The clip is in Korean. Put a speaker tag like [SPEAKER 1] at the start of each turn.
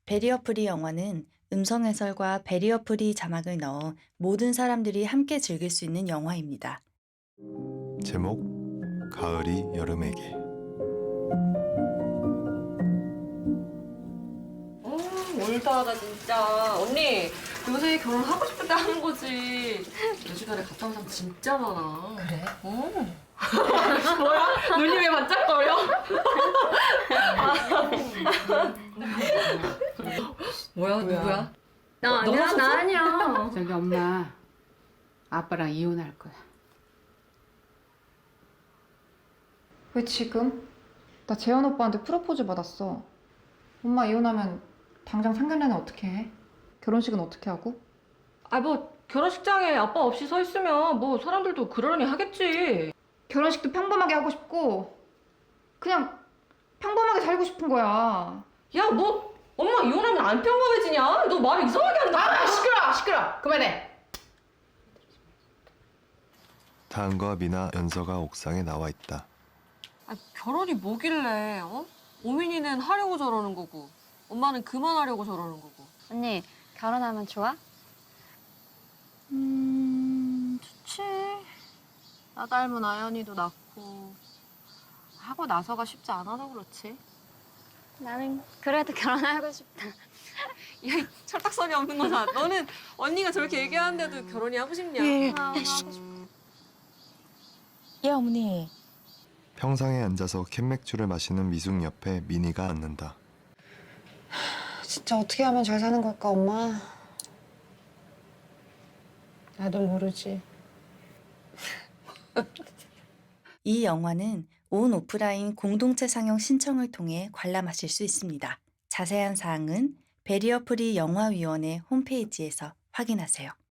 [SPEAKER 1] 배리어 프리 영화는 음성 해설과 배리어 프리 자막을 넣어 모든 사람들이 함께 즐길 수 있는 영화입니다.
[SPEAKER 2] 제목 가을이 여름에게.
[SPEAKER 3] 올드하다 진짜. 언니 요새 결혼하고 싶을 때 하는 거지. 내 주변에 갔다 온 사람 진짜 많아.
[SPEAKER 4] 그래?
[SPEAKER 3] 뭐야? 눈이 왜 반짝거려? 뭐야? 누구야?
[SPEAKER 4] 나 아니야,
[SPEAKER 3] 너
[SPEAKER 4] 나 아니야.
[SPEAKER 5] 저기 엄마, 아빠랑 이혼할 거야.
[SPEAKER 6] 왜 지금? 나 재현 오빠한테 프로포즈 받았어. 엄마 이혼하면 당장 상견례는 어떻게 해? 결혼식은 어떻게 하고?
[SPEAKER 3] 아 뭐 결혼식장에 아빠 없이 서 있으면 뭐 사람들도 그러려니 하겠지.
[SPEAKER 6] 결혼식도 평범하게 하고 싶고 그냥 평범하게 살고 싶은 거야.
[SPEAKER 3] 야 뭐 엄마 이혼하면 안 평범해지냐? 너 말 이상하게 한다.
[SPEAKER 5] 아, 시끄러! 그만해!
[SPEAKER 2] 다은과 미나, 연서가 옥상에 나와 있다.
[SPEAKER 3] 아, 결혼이 뭐길래, 어? 오민이는 하려고 저러는 거고, 엄마는 그만하려고 저러는 거고.
[SPEAKER 4] 언니, 결혼하면 좋아? 좋지. 나 닮은 아연이도 낳고 하고 나서가 쉽지 않아서 그렇지. 나는 그래도 결혼하고 싶다.
[SPEAKER 3] 야, 이 철딱선이 없는 거다. 너는 언니가 저렇게 얘기하는데도 결혼이 하고 싶냐?
[SPEAKER 4] 하고 싶다.
[SPEAKER 1] 예, 어머니.
[SPEAKER 2] 평상에 앉아서 캔맥주를 마시는 미숙 옆에 미니가 앉는다.
[SPEAKER 7] 진짜 어떻게 하면 잘 사는 걸까, 엄마? 나도 모르지.
[SPEAKER 1] 이 영화는 온 오프라인 공동체 상영 신청을 통해 관람하실 수 있습니다. 자세한 사항은 배리어 프리 영화위원회 홈페이지에서 확인하세요.